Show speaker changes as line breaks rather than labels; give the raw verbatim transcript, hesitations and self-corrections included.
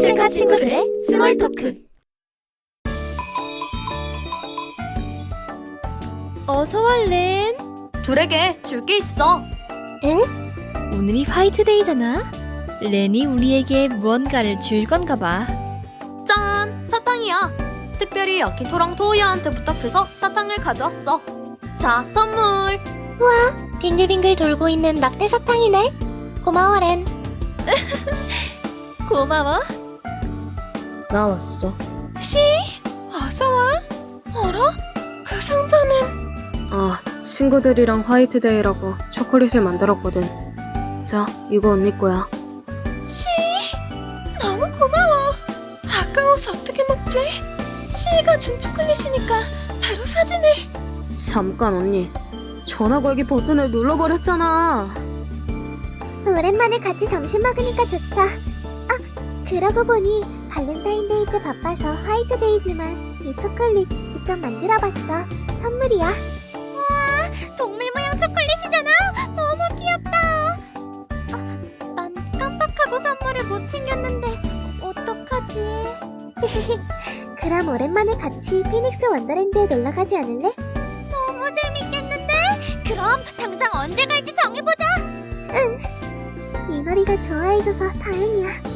아세카 친구들의 스몰 토크.
어서와 렌.
둘에게 줄 게 있어.
응?
오늘이 화이트데이잖아. 렌이 우리에게 무언가를 줄 건가 봐.
짠! 사탕이야. 특별히 야키토랑 토우야한테 부탁해서 사탕을 가져왔어. 자, 선물.
빙글빙글 돌고 있는 막대 사탕이네. 고마워 렌.
고마워.
나왔어.
시, 어서와. 어라? 그 상자는...
아, 친구들이랑 화이트데이라고 초콜릿을 만들었거든. 자, 이거 언니 거야.
시, 너무 고마워. 아까워서 어떻게 먹지? 시가 준 초콜릿이니까 바로 사진을...
잠깐 언니. 전화 걸기 버튼을 눌러버렸잖아.
오랜만에 같이 점심 먹으니까 좋다. 아, 그러고 보니 발렌타인데이 때 바빠서 화이트데이지만 이 초콜릿 직접 만들어봤어. 선물이야. 와, 동물 모양 초콜릿이잖아. 너무 귀엽다. 아, 난 깜빡하고 선물을 못 챙겼는데 어떡하지? 그럼 오랜만에 같이 피닉스 원더랜드에 놀러가지 않을래? 너무 재밌겠는데? 그럼 당장 언제 갈지 정해보자. 응. 이 머리가 좋아해줘서 다행이야.